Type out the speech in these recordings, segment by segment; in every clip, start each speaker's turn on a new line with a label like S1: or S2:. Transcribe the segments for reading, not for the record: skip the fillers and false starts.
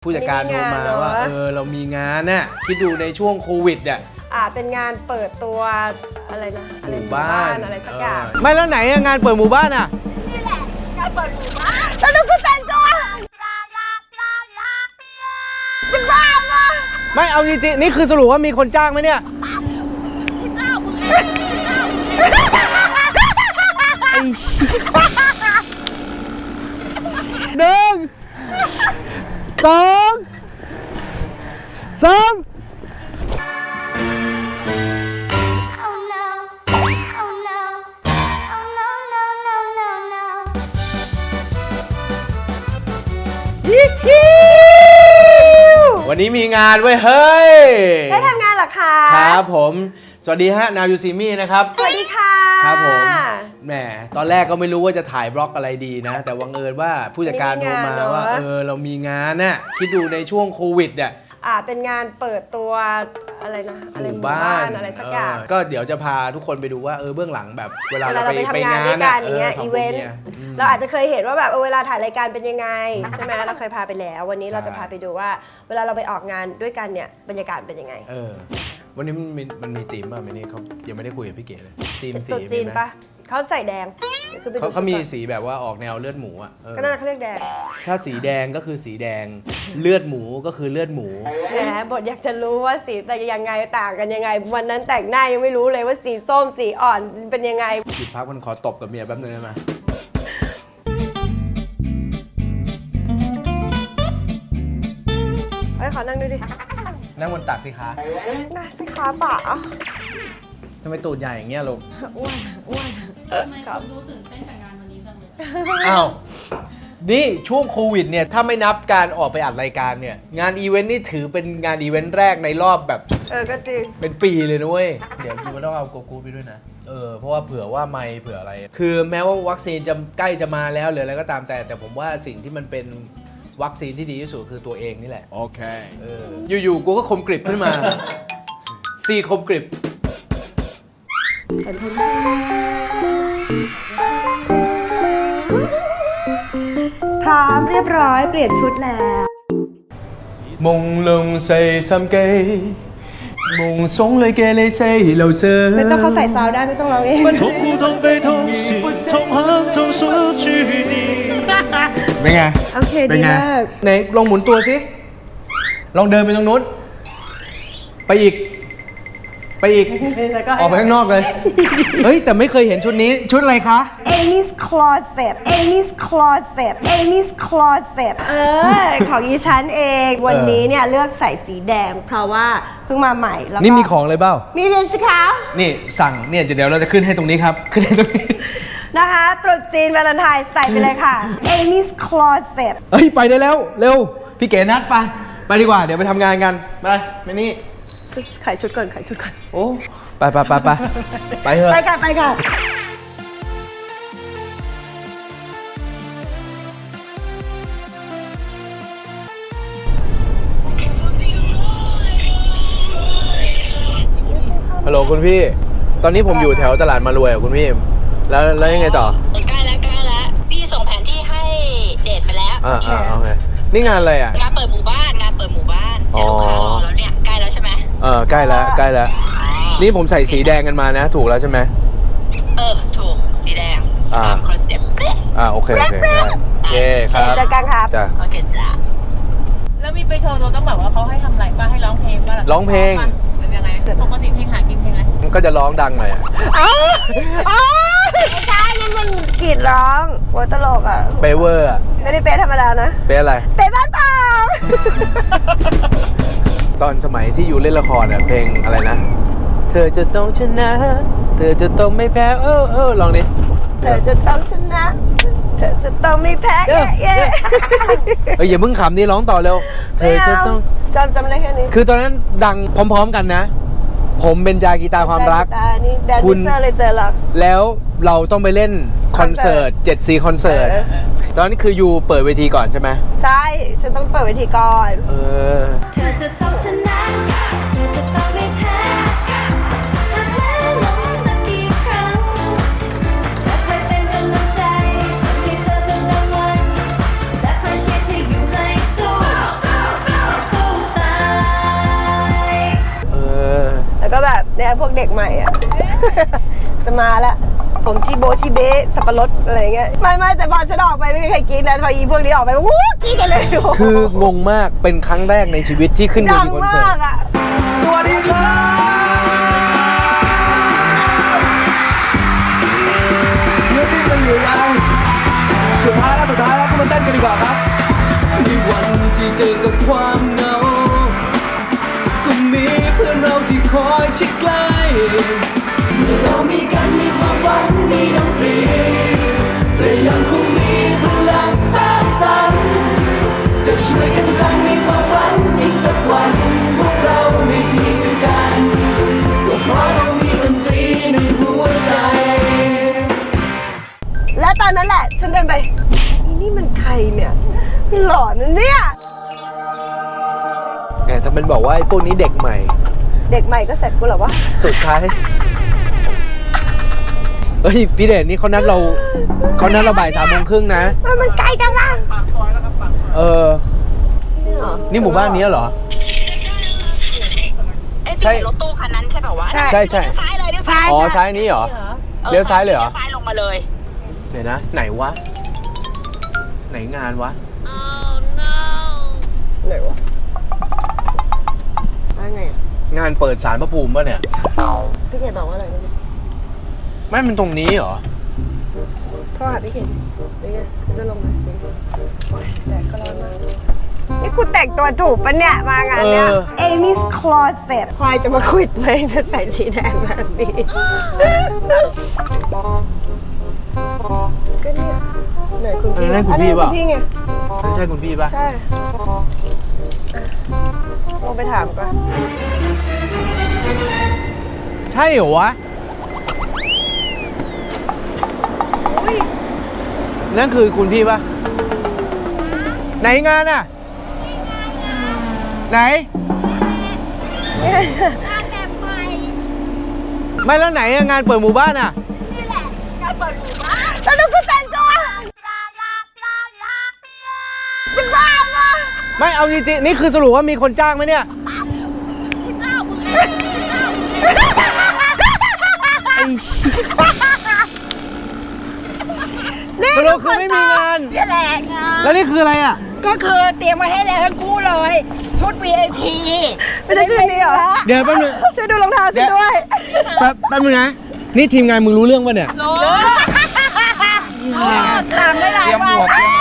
S1: ผู้จัดการโทรมาว่าเรามีงานน่ะคิดดูในช่วงโควิดเนี่ย
S2: เป็นงานเปิดตัวอะไรนะ
S1: หมู่บ้าน
S2: อะไรสักอย่าง
S1: ไม่แล้วไหนงานเปิดหมู่บ้านอ่ะ
S2: นี่แหละงานเปิดหมู่บ้านแล้วดูกูแต่งตัวจะบ้าปะ
S1: ไม่เอาจริงๆนี่คือสรุปว่ามีคนจ้างไหมเนี่ย
S2: เจ้ามึง
S1: หนึ่งสองสามวันนี้มีงานเว้ยเฮ้ย
S2: ได้ทำงานเหรอคะ
S1: ครับผมสวัสดีฮะ Now You See Me นะครับ
S2: สวัสดีค่ะ
S1: ครับผมแหมตอนแรกก็ไม่รู้ว่าจะถ่ายบล็อกอะไรดีนะแต่วังเอิญว่าผู้จัดการโทรมาว่าเรามีงานน่ะคิดดูในช่วงโควิดเนี่ย
S2: เป็นงานเปิดตัวอะไรนะ
S1: หมู่บ้าน
S2: อะไรสักอย่าง
S1: ก็เดี๋ยวจะพาทุกคนไปดูว่าเบื้องหลังแบบเวลาเราไป
S2: ทำงานด้วยกันอย่างเงี้ยอีเวนต์เราอาจจะเคยเห็นว่าแบบเวลาถ่ายรายการเป็นยังไงใช่ไหมเราเคยพาไปแล้ววันนี้เราจะพาไปดูว่าเวลาเราไปออกงานด้วยกันเนี่ยบรรยากาศเป็นยังไง
S1: วันนี้มันมีธีมป่ะไม่นี่เขายังไม่ได้คุยกับพี่เก๋เลยธีมสี
S2: ตุ๊จีนปะเขาใส่แดง
S1: เขามีสีแบบว่าออกแนวเลือดหมูอ่ะ
S2: ก็น่าเขาเรียกแดง
S1: ถ้าสีแดงก็คือสีแดงเลือดหมูก็คือเลือดหมู
S2: แหมบทอยากจะรู้ว่าสีแต่ยังไงต่างกันยังไงวันนั้นแต่งหน้ายังไม่รู้เลยว่าสีส้มสีอ่อนเป็นยังไง
S1: หยุดพักมันขอตบกับเมียแป๊บนึงได้ไหม
S2: ขอนั่งด้วยดิ
S1: นั่งบนตักสิคะ
S2: น่าสิคะป่า
S1: ทำไมตูดใหญ่อย่างเงี้ยลูก
S2: อ้วน
S3: ทำไมคุณดูตื่นเต้นกับงานวันนี้จังเลย
S1: อ้าวนี่ช่วงโควิดเนี่ยถ้าไม่นับการออกไปอัดรายการเนี่ยงานอีเวนต์นี่ถือเป็นงานอีเวนต์แรกในรอบแบบ
S2: ก็จริง
S1: เป็นปีเลยนะเว้ยเดี๋ยวยูต้องเอาโกกูไปด้วยนะเพราะว่าเผื่อว่าไม่เผื่ออะไรคือแม้ว่าวัคซีนจะใกล้จะมาแล้วหรืออะไรก็ตามแต่ผมว่าสิ่งที่มันเป็นวัคซีนที่ดีที่สุดคือตัวเองนี่แหละ
S4: โอเค
S1: อยู่ๆกูก็คมกริบขึ้นมาซีคมกริบ
S2: พร้อมเรียบร้อยเปลี่ยนชุดแล้ว
S1: 朦朧四心機夢中裏嘅你四流着
S2: ไม่ต้องเขาใส่ซาวได้ไม่ต้องร้องเอง
S4: 痛苦痛悲痛是痛恨痛失去你
S1: เป็นไง
S2: โอเคดีมาก
S1: ไหนลองหมุนตัวสิลองเดินไปตรงนู้นไปอีกออกไปข้างนอกเลยเฮ้ยแต่ไม่เคยเห็นชุดนี้ชุดอะไรคะ
S2: Amy's Closet ของอีฉันเองวันนี้เนี่ยเลือกใส่สีแดงเพราะว่าเพิ่งมาใหม่แล้ว
S1: นี่มีของเลยเปล่า
S2: มีเลยสิคะ
S1: นี่สั่งเนี่ยเดี๋ยวเราจะขึ้นให้ตรงนี้ครับขึ้นให้ตรงนี้
S2: นะคะตรุษจีนวาเลนไทน์ใส่ไปเลยค่ะ Amy's Closet
S1: เฮ้ยไปได้แล้วเร็วพี่เก๋นัดไปดีกว่าเดี๋ยวไปทำงานกันไปนี่
S2: ขายชุดก่อน
S1: โอ้ไปเถอะ
S2: ไปกัน
S1: ฮัลโหลคุณพี่ตอนนี้ผมอยู่แถวตลาดมารวยอ่ะคุณพี่แล้วยังไงต่อ
S3: ใกล้แล้วพี่ส่งแผนที่ให้เดทไปแล้ว
S1: โอเคนี่งานอะไรอ่ะ
S3: งานเปิดหมู่บ้านลูกค้ารอแล้วเนี่ยใกล้แล้วใช่ไหม
S1: ใกล้แล้วนี่ผมใส่สีแดงกันมานะถูกแล้วใช่ไหม
S3: ถูกสีแดงตามคอนเซ็ปต์
S1: โอเคครับ
S2: เจอกันครับ
S3: โอเคจ้ะแล้วมีไปโชว์ตัวต้องแบบว่าเขาให้ทำอะไรป่ะให้ร้องเพลงป่ะ
S1: ร้องเพลง
S3: เป็นยังไงปกติเพลงหากินเพลงอะไร
S1: ก็จะร้องดังหน่อย
S2: ไม่ใช่นั่นมันกรีดร้องโว้ตลกอ่ะ
S1: เปเวอร์
S2: ไม่ได้เป๊ะธรรมดานะ
S1: เป๊ะอะไร
S2: เป๊ะบ้านเปล่า
S1: ตอนสมัยที่อยู่เล่นละครอ่ะเพลงอะไรนะเธอจะต้องชนะเธอจะต้องไม่แพ้ลองดิ
S2: เธอจะต้องชนะเธอจะต้องไม่แพ้
S1: อย่าเพิ่งขำนี่ร้องต่อเร็วเธอจะต้อง
S2: จำได้แค่นี้
S1: คือตอนนั้นดังพร้อมๆกันนะผมเป็นจากีตาความรัก
S2: คุณเลยเจอหรอก
S1: แล้วเราต้องไปเล่นคอนเสิร์ต 7C คอนเสิร์ตตอนนี้คือยูเปิดเวทีก่อนใช่ไหม
S2: ใช่ฉันต้องเปิดเวทีก่อน
S5: เธอจะต้องชนะเธอจะต้องไม่แพ้หากแพ้ลงสักกี่ครั้งจะคอยเป็นกำลังใจส่งให้เธอเป็นรางวัลจะคอยเชียร์เธออยู่ให้สู้
S2: พวกเด็กใหม่อ่ะ จะมาละผมชิโบชิเบะสับปะรดอะไรเงี้ยไม่แต่พอฉันออกไปไม่มีใครกินนะพออีพวกนี้ออกไปวู้กินกันเลย
S1: คืองงมากเป็นครั้งแรกในชีวิตที่ขึ้นเว
S2: ดัง
S1: ทีคอน
S2: มา
S1: เสิร์ต
S2: กอ่ะ
S4: สวัสดีครับยืดดิ้นกันอยู่ยังสุดท้ายแล้วก็มาเต้นกันดีกว่าครับในวันที่เจอกับความเหงาก็มีเพื่อนเราที่คอยชิดใกล้เรามีกันมีความฝันมีดนตรีและยังคงมีพลังสร้างสรรค์จะช่วยกันทำให้ความฝันจริงสักวันพวกเราไม่ทิ้งกันก็เพราะเรามีดนตรีในหัวใจ
S2: และตอนนั้นแหละฉันเดินไปอีนี่มันใครเนี่ยหล่อนะเนี่ย
S1: ไงถ้ามันบอกว่าไอ้พวกนี้เด็กใหม่
S2: เด็กใหม่ก็เสร็จกูเหรอวะ
S1: สุดท้ายเฮ้ยพี่เดชนี่เขานัดเราบ่าย3:30นะ
S2: มันไกลจังวะ
S1: เออ นี่หมู่บ้านนี้เหรอ
S6: เอ้ยพี่เห็นรถตู้คันนั้นใช่ป่าววะ
S1: ใช่
S6: เลี้ยวซ้ายเลยเลี้ยวซ้าย
S1: อ๋อซ้ายนี้เหรอ เลี้ยวซ้ายเลยเหรอ
S6: เลี้ยวซ้ายลงมาเลย
S1: เดี๋ยวนะ ไหนวะ ไหนงานวะ
S2: ไหนวะว่าไงอะ
S1: งานเปิดศาลพระภูมิป่ะเนี่ย
S2: พี่เขตบอกว่าอะไรนะพี่
S1: ไม่มันตรงนี้เหรอ
S2: โทรหาพี่เขตนี่ไงจะลงมาโอ๊ยแดดก็ร้อนมากนี่กูแต่งตัวถูกปะเนี่ยมางานเนี้ย Amy's Closet ควายจะมาขวิดไหมจะใส่สีแดงแบบนี้ก็เนี่ยไหนคุณพี่
S1: นั่นคุณพี่เปล่า
S2: อันนี้คุณพี่ไง
S1: ไม่ใช่คุณพี่ป่ะ
S2: ใช่อ่ะลองไปถามก่อน
S1: ใช่เหรอวะ นั่นคือคุณพี่ป่ะ ไหนงานอ่ะ ไหน ไม่แล้วไหนอะงานเปิดหมู่บ้านอ่ะ
S2: แล้วดูกูแต่งตัวจะบ้าปะ
S1: ไม่เอาจริงๆนี่คือสรุปว่ามีคนจ้างไหมเนี่ย สรุปคือไม่มีงาน
S3: นี่แหละงาน
S1: แล้วนี่คืออะไรอ่ะ
S3: ก็คือเตรียมมาให้แล้วทั้งคู่เลย ชุด VIP
S2: ไม่ใช่ชื่อนี้เหรอ
S1: เดี๋ยวแป๊บนึง
S2: ช่วยดูรองเท้าฉันด้วย
S1: แป๊บนึงนะ นี่ทีมงานมึงรู้เรื่องป่ะเนี่ย
S3: รู้ตามไม่ได้ว่า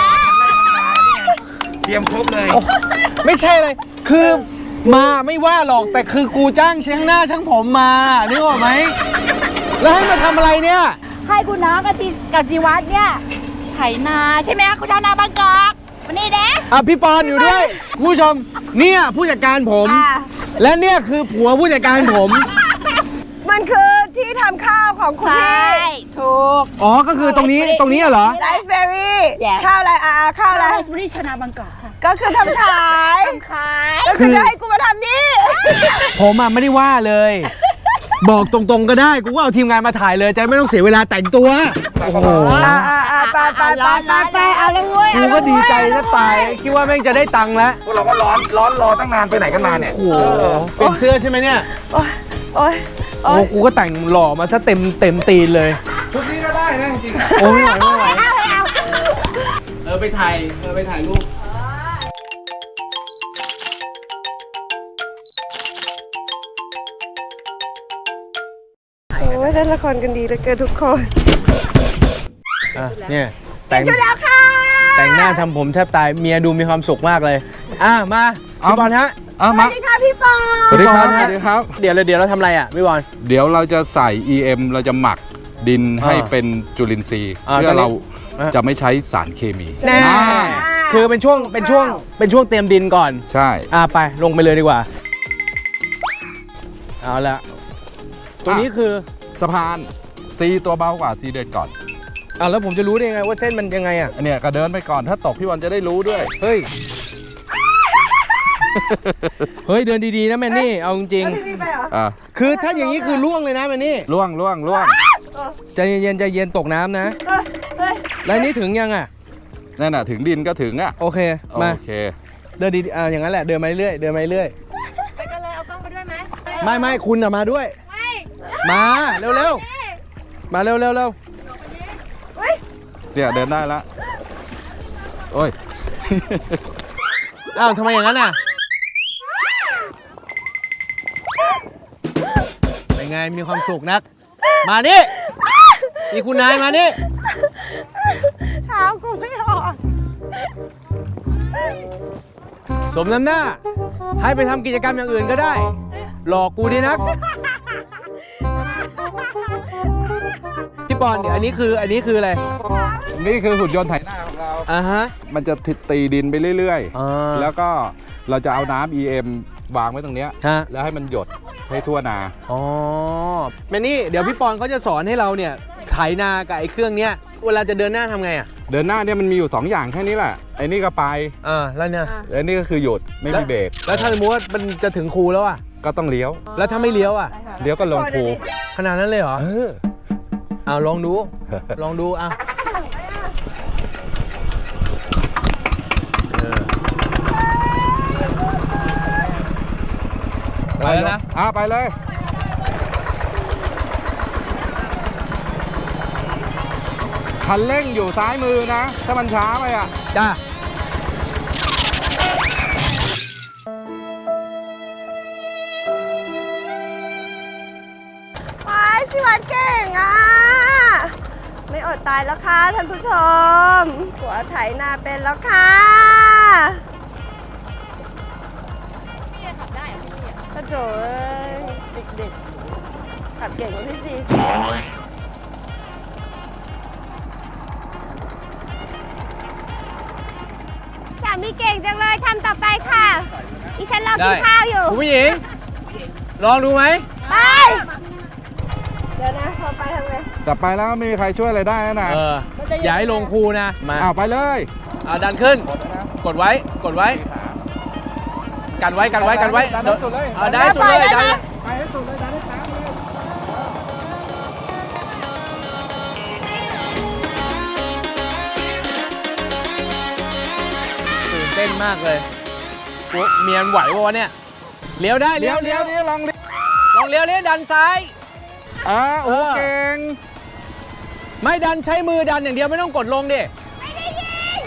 S4: เตรียมครบเลย
S1: ไม่ใช่เลย คือมาไม่ว่าหรอก แต่คือกูจ้างช่างหน้าช่างผมมานึกออกไหม แล้วให้มาทำอะไรเนี่ย
S3: ให้คุณน้องกับสิวัตรเนี่ยไถนาใช่ไหมคุณเจ้านาบางกอกวันนี้เด้
S1: อ่ะพี่ปอนอยู่ด้วยคุณผู้ชม เนี่ยผู้จัดการผม และเนี่ยคือผัวผู้จัดการผม
S2: มันคือที่ทำข้าวของคุณ
S3: ใช่
S2: พี่
S3: ถูก
S1: อ๋อ ก็คือตรงนี้เหรอ
S2: ไรซ์เบอร์รี่
S3: Yes
S2: ข้าวอะไรข้าวอะไร
S3: ไรซ์บริชนาบางกอกค่ะ
S2: ก็คือทำขาย
S3: ขาย
S2: ก็คือจะให้กูมาทำนี่
S1: ผมอ่ะไม่ได้ว่าเลย บอกตรงๆก็ได้ กูก็เอาทีมงานมาถ่ายเลยจะไม่ต้องเสียเวลาแต่งตัว โอ้โห
S2: ไปเอาเลยเว้ย
S1: กูก็ดีใจจะตาย คิดว่าแม่งจะได้ตังค์แล้ว
S4: พวกเราก็ร้อนรอตั้งนานไปไหนกันมาเนี่ย
S1: โอ้โหเปลี่ยนเสื้อใช่ไหมเนี่ย
S2: โอ๊ย
S1: โอ้โหกูก็แต่งหล่อมาซะเต็มตีนเลย
S4: ชุดนี้ก็ได้นะจริงๆ
S1: โอ้ไม่ไหวไปถ่ายรูป
S2: โอ้ยเล่นละครกันดีเหลือเกินทุกคน
S1: อ่ะเนี่ยแต่ง
S2: ชุดแล้วค่ะ
S1: แต่งหน้าทำผมแทบตายเมียดูมีความสุขมากเลย มาพี่บอลฮะ
S2: สวัสดีค่ะพี่ปอ
S7: สวัสดีครับ
S1: พี่
S7: ส
S1: อล
S7: วัสดีครับ
S1: เดี๋ยวเราทำอะไรอ่ะพี่บอล
S7: เดี๋ยวเราจะใส่ EM เราจะหมักดินให้เป็นจุลินทรีย์
S1: อ่า
S7: เพื่อเรา
S1: อ่า
S7: จะไม่ใช้สารเคมี
S1: แน่
S7: อ่า
S1: คือเป็นช่วงเตรียมดินก่อน
S7: ใช่
S1: ไปลงไปเลยดีกว่า เอาละตัวนี้คือ
S7: สะพาน C ตัวเบากว่า C เดินก่อน
S1: แล้วผมจะรู้ได้ยังไงว่าเส้นมันยังไงอ่ะ
S7: อันเนี้ยก็เดินไปก่อนถ้าตกพี่วันจะได้รู้ด้วย
S1: เฮ้ย เฮ้ยเดินดีๆนะแมนนี่เอาจริง
S2: พี่ไปเหรอ
S7: อ่า
S1: ๆคือถ้าอย่างนี้คือล่วงเลยนะแมนนี่
S7: ล่วง
S1: ใจเย็นตกน้ำนะ แล้วนี่ถึงยังอ่ะ
S7: นั่นน่ะถึงดินก็ถึงอ่ะ
S1: โอเค มา
S7: โอเค
S1: เดินดีอย่างนั้นแหละ เดินมาเรื่อย
S3: ไปกันเลยเอากล้องไปด้วยไหม
S1: ไม่คุณอะมาด้วย
S3: ไม่
S1: มาเร็วๆมาเร็วๆเร็ว
S7: เนี่ยเดินได้แล้วโอ้ย
S1: อ้าวทำไมอย่างนั้นอ่ะเป็นไงมีความสุขนักมานี่นี่คุณนายมานี่
S2: เท้ากูไม่ออก
S1: สมน้ำหน้า ให้ไปทำกิจกรรมอย่างอื่นก็ได้ หลอกกูดีนัก พี่ปอนเดี๋ยวอันนี้คืออะไร
S7: นี่คือหุ่นยนต์ไถนาของเรา
S1: อ่าฮะ
S7: มันจะตีดินไปเรื่อย
S1: อ่า
S7: ๆ แล้วก็เราจะเอาน้ำ EM วางไว้ตรงเนี้ย
S1: ฮะ
S7: แล้วให้มันหยดให้ทั่วนา
S1: อ๋อแม่นี่เดี๋ยวพี่ปอนเขาจะสอนให้เราเนี่ยไถนากับไอ้เครื่องเนี้ยเวลาจะเดินหน้าทำไงอ่ะ
S7: เดินหน้าเนี่ยมันมีอยู่ 2 อย่างแค่นี้แหละ ไอ้นี่ก็ไป
S1: แล้วเนี่ย
S7: ไอ้นี่ก็คือหยุดไม่มีเบรก
S1: แล้วถ้าสมมติว่ามันจะถึงคูแล้วอ่ะ
S7: ก็ต้องเลี้ยว
S1: แล้วถ้าไม่เลี้ยวอ่ะ
S7: เลี้ยวก็ลงคู
S1: ขนาดนั้นเลยเหรอ
S7: เออ
S1: เอาลองดู ลองดูอ่ะไปแล้วนะ
S7: ไปเลย คันเร่งอยู่ซ้ายมือนะ ถ้ามันช้าไปอ่ะ
S1: จ้า
S2: ไปสิวัดเก่งอ่ะ ไม่อดตายแล้วค่ะท่านผู้ชมหัวไถนาเป็นแล้วค่ะพี่ขับได้เหรอพี่กระโจยเด็กๆขับเก่งกว่าพี่สิสามีเก่งจังเลยทำต่อไปค่ะดิฉันรอกินข้าวอยู่
S1: คุณผู้หญิง ลองดูไหม
S2: ไป เดี๋ยวนะพอไปทำไง
S7: แต่ไปแล้วไม่มีใครช่วยอะไรได้แล้วนะ
S1: อย่าให้ลงคูนะ มา
S7: ไปเลย
S1: ดันขึ้น กดไว้ กันไว้ กันไว้
S7: ดันให้สุดเลย
S1: ได้สุดเลยดัน
S7: ไปให้สุดเลยดันให้ช้าเลย
S1: ตื่นเต้นมากเลยเมียนไหววะเนี่ย เลี้ยวได้เลี้ยว
S7: ลองเลี้ยว
S1: ลองเลี้ยวดันซ้าย
S7: โอ้เก่ง
S1: ไม่ดันใช้มือดันอย่างเดียวไม่ต้องกดลงดิ
S2: ไม่ได้ยิง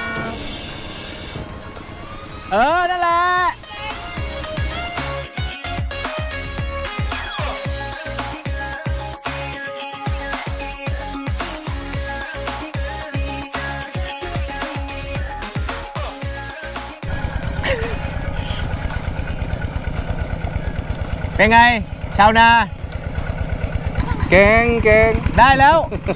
S1: นั่นแหละ เป็นไง ชาวนา
S7: เก่ง
S1: ได้แล้ว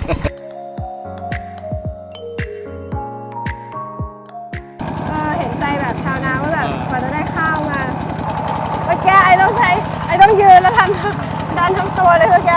S2: เห็นใจแบบชาวนาว่าแบบกว่าจะได้ข้าวมาเมื่อกี้ไอ้ต้องยืนแล้วทำดันทั้งตัวเลยเมื่อกี้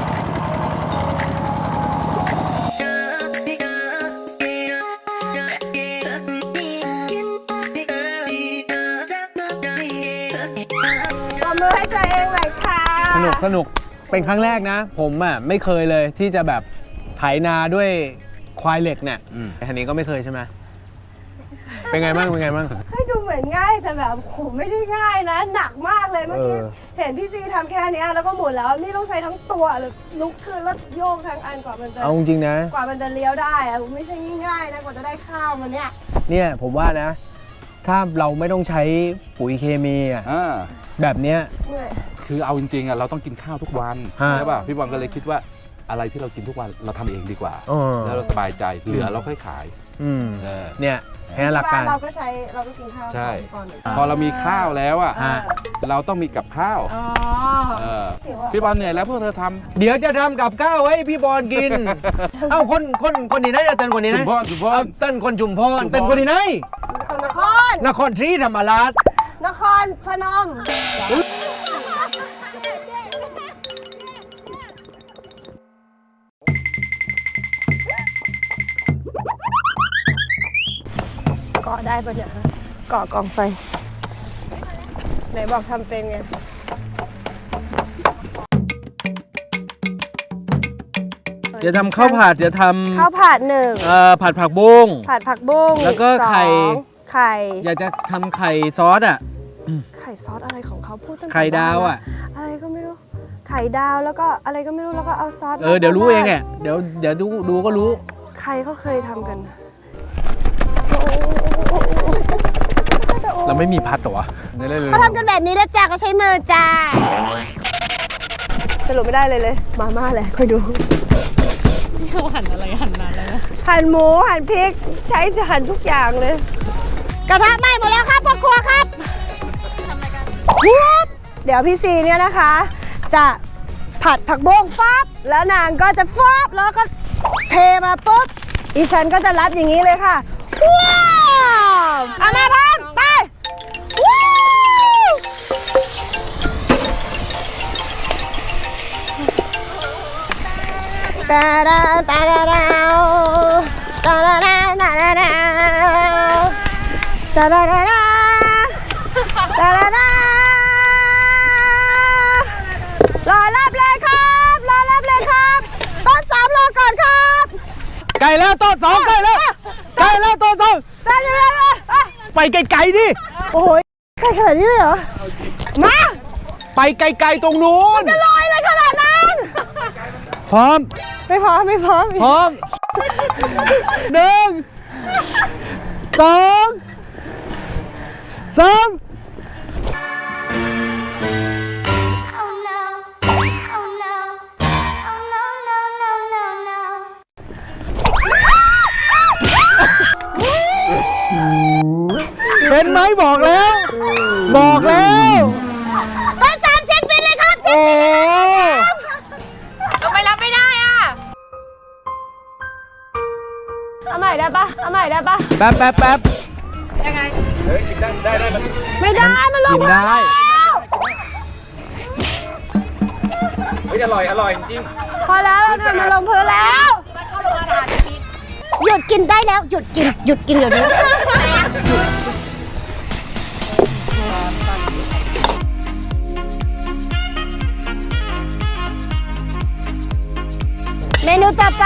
S2: ปรบมือให้ตัวเองหน่อยค่ะ
S1: สนุก เป็นครั้งแรกนะ ผมไม่เคยเลยที่จะแบบไถนาด้วยควายเหล็กเนี่ยอันนี้ก็ไม่เคยใช่ไหม เป็นไงบ้าง
S2: ให้ดูเหมือนง่ายแต่แบบโหไม่ได้ง่ายนะ หนักมากเลยเมื่อกี้เห็นพี่ซีทำแค่นี้แล้วก็หมุนแล้วนี่ต้องใช้ทั้งตัวเลยลุกขึ้นแล้วโยกทั้งอันกว่ามันจะ
S1: เอาจริงๆนะ
S2: กว่ามันจะเลี้ยวได้อะไม่ใช่ง่ายๆนะกว่าจะได้ข้าวมันเนี่ย
S1: เนี่ยผมว่านะ ถ้าเราไม่ต้องใช้ปุ๋ยเคมีแบบเนี้ย
S2: เหนื่อย
S7: คือเอาจริงๆเราต้องกินข้าวทุกวัน
S1: ฮะ
S7: ใช่ป่ะพี่บอลก็เลยคิดว่าอะไรที่เรากินทุกวันเราทำเองดีกว่า แล้วเราสบายใจเหลือเราค่อยขาย เออ
S1: เนี่ยแค่หลักการ
S2: เราก็กินข้าว
S7: ใช่
S2: ก่อน
S7: พอเรามีข้าวแล้วอ่ะ
S1: ฮะ
S7: เราต้องมีกับข้าว
S2: อ๋อ
S7: เออพี่บอลเหนื่อยแล้วพวกเธอท
S1: เดี๋ยวจะทำกับข้าวให้พี่บอลกิน เอ้าคนที่ไหนจะเต้นคนที่ไหน
S7: ชุมพร
S1: เอาเต้นคนชุมพรเป็นคนที่ไหน
S2: นคร
S1: นครศรีธรรมราช
S2: นครพนมเกาะได้ปะเนี่ยเกาะกองไฟไหนบอกทำเป็นไง
S1: เดี๋ยวทำข้าวผัดเดี๋ยวทำ
S2: ข้าวผัดหนึ่ง
S1: ผัดผักบุ้ง
S2: ผัดผักบุ้ง
S1: แล้วก็
S2: สอง
S1: ไข่
S2: ไข่
S1: อยากจะทำไข่ซอสอ่ะ
S2: ไข่ซอสอะไรของเขาพูดตั้งแต่
S1: ไข่ดาวอ่ะ
S2: อะไรก็ไม่รู้ไข่ข่ดาวแล้วก็อะไรก็ไม่รู้แล้วก็เอาซอส
S1: เดี๋ยวรู้เองอ่ะเดี๋ยวดูก็รู้
S2: ใครเขาเคยทำกัน
S1: เราไม่มีพัดเหรอวะ
S2: เขาทำกันแบบนี้นะจ๊ะเขาใช้มือจ้าสรุปไม่ได้เลยมาม่าแหละค่อยดูหั่นอะไรหั่นนานแล้วนะหั่นหมูหั่นพริกใช้หั่นทุกอย่างเลยกระทะไหม้หมดแล้วครับพ่อครัวครับเดี๋ยวพี่ซีเนี่ยนะคะ จะผัดผักบุ้งปั๊บแล้วนางก็จะฟับแล้วก็เทมาปุ๊บอีฉันก็จะรับอย่างนี้เลยค่ะว้าวเอามาพร้อมไปว้าวตาดาตาดาดาวตาดาดาตาดาดาวตาดาดาดาตาดาดารอรับเลยครับรอรับเลยครับต้น3รอก่อนครับ
S1: ไก่แล้วต้นสองไก่แล้วต้นสอง
S2: ได้เลย
S1: ไปไกลๆดิ
S2: โอ้ยใกล้ขนาดนี้เลยเหรอมา
S1: ไปไกลๆตรงนู้น
S2: จะลอยเลยขนาดนั้น
S1: พร้อม
S2: ไม่พร้อม
S1: พร้อม 1 2 3
S5: Oh no. Oh no. Oh no, no, no, no, no.
S1: เห็นไหมบอกแล้ว
S2: ต้น3เช็คบินเลยครับ
S1: โอ้
S3: ทำไมรับไม่ได้อ่ะ
S2: เอาใหม่ได้ปะ
S1: แป๊บ
S2: ไม่ได้มันลง
S1: กินได้
S2: พอแล้วเราทำมันลงพื้นแล้ว
S3: หยุดกินได้แล้ว หยุดกินเดี๋ยวนี้
S2: เมนูต่อไป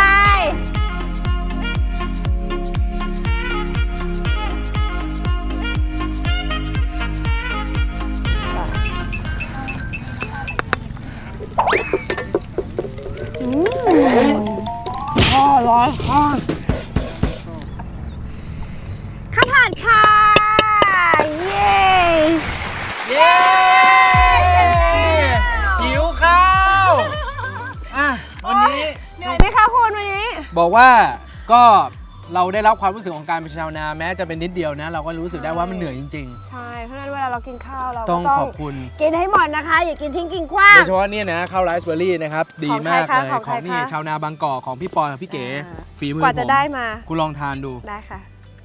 S2: ข้าวผัดค่ะ เย้
S1: เย้หิวข้าววันนี้
S2: เหนื่อยไหมคะคุณวันนี้
S1: บอกว่าก็เราได้รับความรู้สึกของการเป็นชาวนาแม้จะเป็นนิดเดียวนะ เราก็รู้สึกได้ว่ามันเหนื่อยจริง
S2: ใช่ เพราะฉะนั้นเวลาเรากินข้าวเรา
S1: ๆ ต้องขอบคุณ
S2: กินให้หมดนะคะ อย่ากินทิ้งกินขว้า
S1: โด
S2: ง
S1: ยเฉพาะเนี่ยนะข้าวไรซ์เบอร์รี่นะครับ ดีมาก
S2: ของ
S1: เลย
S2: ใครคะของใคร
S1: ของนี่
S2: คะ
S1: ชาวนาบางกอกของพี่ปอยกับพี่เก๋ ฝีมือก
S2: ว่าจะ
S1: ผม
S2: ได้มา
S1: คุณลองทานดู
S2: ได้ค่ะ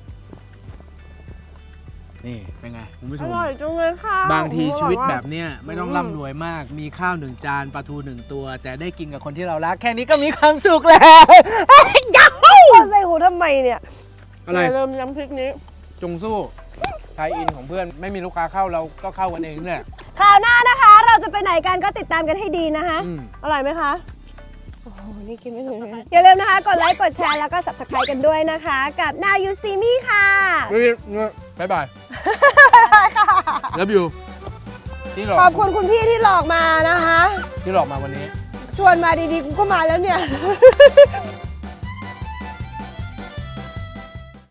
S1: นี่เป็นไงคุณผู้ช
S2: อ
S1: ม
S2: ร่อยจังเลยค่ะ
S1: บางที
S2: โอ้โห
S1: ชีวิต
S2: ร่อย
S1: แบ
S2: มาก
S1: บเนี้ยไม่ต้องร่ำรวยมาก มีข้าว1 จานปลาทู1 ตัว แต่ได้กินกับคนที่เรารัก แค่นี้ก็มีความสุขแล้วยัฮู
S2: พ่อใส่หูทำไมเนี่ย
S1: อะไร
S2: ย่าลืมน้ำพริกนี้
S1: จงสู้ไทยอินของเพื่อนไม่มีลูกค้าเข้าเราก็เข้ากันเองเนี่ย
S2: คราวหน้านะคะ เราจะไปไหนกันก็ติดตามกันให้ดีนะคะ
S1: อืม
S2: อร่อยไหมคะ โอ้โห นี่กินไม่ถึงเลยอย่าลืมนะคะ กดไลค์ กดแชร์ แล้วก็ subscribe กันด้วยนะคะ กับ Now You See Me ค่ะ
S1: บ๊ายบายแล้วบิวที่หลอก
S2: ขอบคุณคุณพี่ที่หลอกมานะคะ
S1: ที่หลอกมาวันนี้
S2: ชวนมาดีๆ กูก็มาแล้วเนี่ย